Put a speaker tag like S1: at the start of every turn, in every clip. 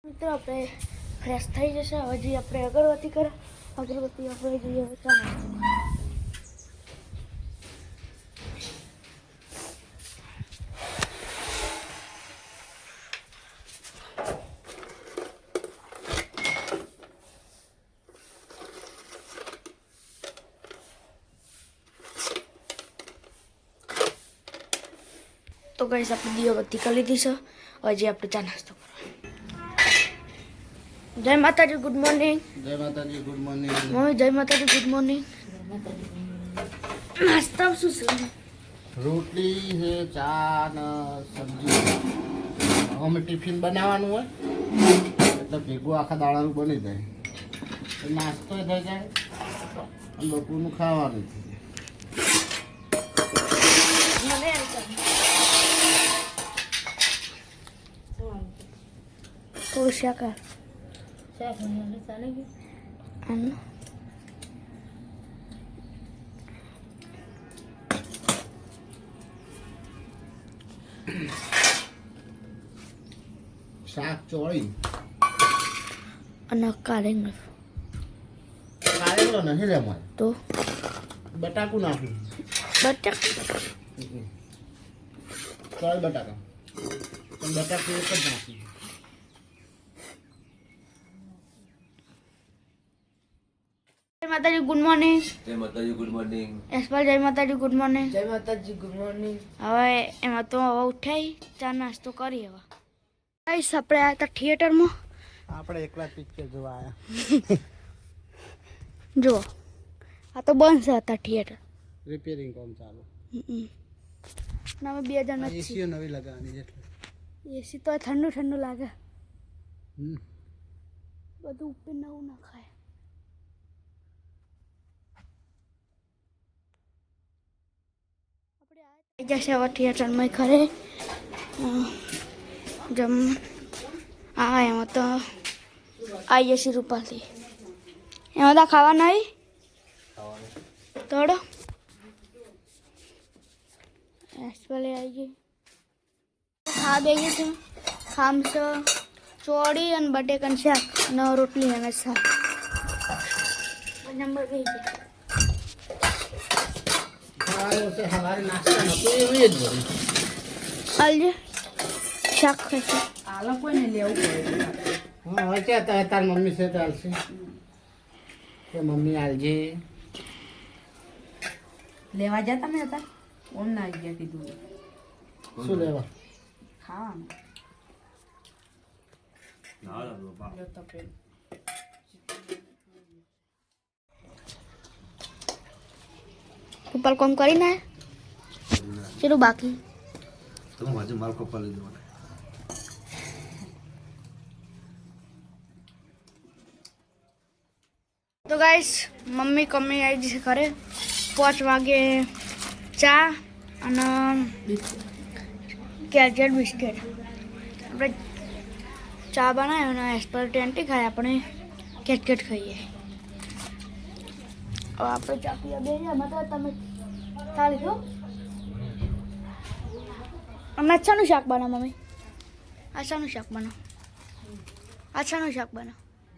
S1: મિત્રો આપણે ફ્રેશ થઈ જશે. હજી આપણે અગરબત્તી કરે. અગરબત્તી આપણે જોઈએ ચાલો. તો ગાઈસ આપણે દીવાબત્તી કરી લીધી છે. હજી આપણે ચા નાસ્તો કરો. જય માતાજી, ગુડ મોર્નિંગ.
S2: જય માતાજી, ગુડ મોર્નિંગ.
S1: મમ્મી જય માતાજી, ગુડ મોર્નિંગ. નાસ્તા શું છે?
S2: રોટલી છે, ચા ને સબ્જી. અમે ટિફિન બનાવવાનું હોય એટલે ભેગું આખા દાડાનું બની જાય. નાસ્તો થઈ જાય અને લોકોનું ખાવાનું થઈ
S1: મને થોડું શાકા ચાલે ગયું.
S2: શાક ચોળી
S1: અને કારેંગ
S2: કારેલો નથી રે અમારે
S1: તો
S2: બટાકું નાખ્યું.
S1: બટાક
S2: ચોળી બટાકા પણ બટાકું એક જ નાખ્યું.
S1: જય માતાજી, ગુડ મોર્નિંગ.
S3: જય માતાજી, ગુડ મોર્નિંગ.
S1: યશપાલ જય માતાજી, ગુડ મોર્નિંગ.
S4: જય માતાજી, ગુડ મોર્નિંગ.
S1: હવે એમાં તો હવે ઉઠાઈ ચા નાસ્તો કરી. હવે ગાઈસ આપણે આવ્યા હતા થિયેટરમાં.
S2: આપણે એકલા પિક્ચર જોવા આવ્યા.
S1: જુઓ આ તો બંધ છે હતા થિયેટર.
S2: રિપેરિંગ કામ ચાલુ.
S1: અમે 2 જણ જ
S2: એસીઓ નવી લગાવવાની એટલે
S1: એસી તો ઠંડુ ઠંડુ લાગે.
S2: હમ.
S1: બધું ઉપર નવું ના ખાય. આપણે આવી જશે હવે થિયેટરમાં ખરે જમ. હા એમાં તો આવી જશે રૂપાલથી. એમાં તો ખાવા નહીં થોડો એસપલે આવી ગઈ. ખા બેગી છે ખામસ ચોળી અને બટેકાનું શાક ને રોટલી અને શાક. નંબર 2
S2: સવારે નાસ્તા નતું એવી જ ભરી.
S1: આલજે શાક ખાશે.
S4: આ લોકોને લેવું પડે.
S2: હા હવે છે તાર મમ્મી છે ચાલશે કે મમ્મી આલજે.
S4: લેવા જતા ને હતા ઓમ ના ગયા કીધું
S2: શું લેવા?
S4: ખાવાનું
S3: ના બાપા.
S4: જો તો પેન
S1: ઉપર કોમ કરીને ચલો બાકી
S3: તમે આજે માલ કપા લીધો મને.
S1: તો ગાઈસ મમ્મી કમી આવી જશે ઘરે. 5 વાગે ચા અને કેજેટ બિસ્કિટ. આપણે ચા બનાવ્યો અને એસપર ટેન્ટી ખાય. આપણે કેટકેટ ખાઈએ. હવે આપણે ચા પીવા બે એમાં તો તમે ચા લીધો. અમે અચ્છાનું શાક બનાવ મમ્મી. અચ્છાનું શાક બનાવ. અચ્છાનું શાક બનાવ.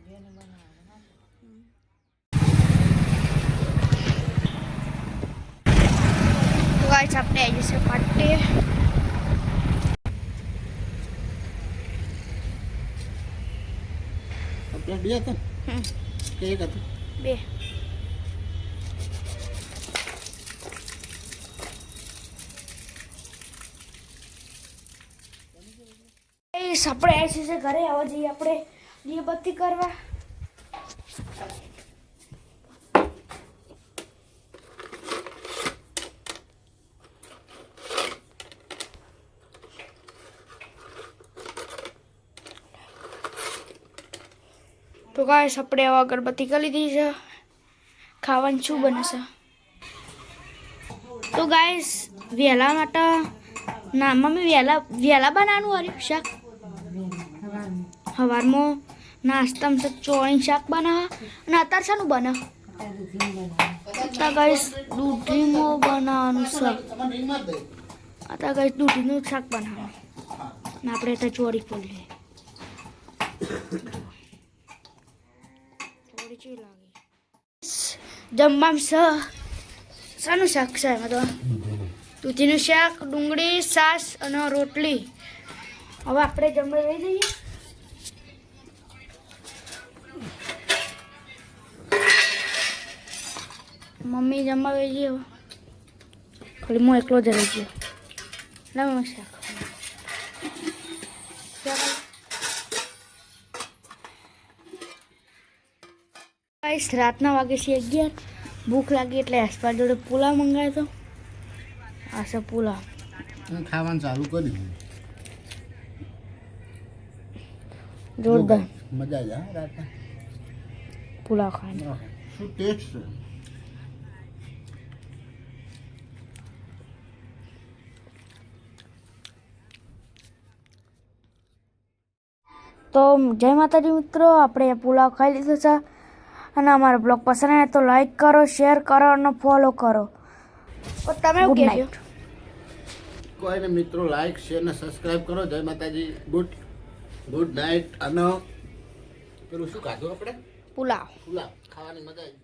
S1: તો ગાઈસ આપણે આવી જશે પાર્ટી.
S2: આપણે બે હતા કે એક હતું?
S1: 2 આપણે આવી છે ઘરે. આવા જઈએ આપણે દીવાબત્તી કરવા. તો ગાઈસ આપણે હવે અગરબત્તી કરી લીધી છે. ખાવાનું શું બને છે? તો ગાઈસ વહેલા માટે ના મમ્મી વહેલા બનાવવાનું હાર્યું શાક. સવારમાં નાસ્તામાં તો ચોળી શાક બનાવે અને અત્યારે શાનું બનાવે? તો ગાઈસ દૂધીમાં બનાવવાનું શાક. અત્યારે ગાઈસ દૂધીનું શાક બનાવવાનું. ને આપણે તો ચોળી ખોલીએ. થોડી ચી લાગી જમવામાં શાનું શાક છે એમાં તો દૂધીનું શાક ડુંગળી છાશ અને રોટલી હવે આપણે જમવા લઈ જઈએ મમ્મી જમવા લઈ જઈએ ખાલી હું એકલો જ રહી ગયો ના મમ્મી શાક રાતના વાગે છે 11 ભૂખ લાગી એટલે આસપાસ જોડે પુલાવ મંગાવ્યો હતો આ છે પુલાવ
S2: ખાવાનું ચાલુ કરી દીધું
S1: જોરદાર
S2: મજા આવી જાય રાતના
S1: પુલાવ ખાવાનો
S2: શું ટેસ્ટ છે
S1: તો જય માતાજી મિત્રો આપણે પુલાવ ખાઈ લીધો છે અને અમારો બ્લોગ પસંદ આવે તો લાઈક કરો શેર કરો અને ફોલો કરો તો તમે શું કહેજો
S2: કોઈને મિત્રો લાઈક શેર ને સબસ્ક્રાઇબ કરો જય માતાજી ગુડ નાઇટ અને પેલું શું ખાધું આપણે
S1: પુલાવ
S2: પુલાવ ખાવાની મજા આવી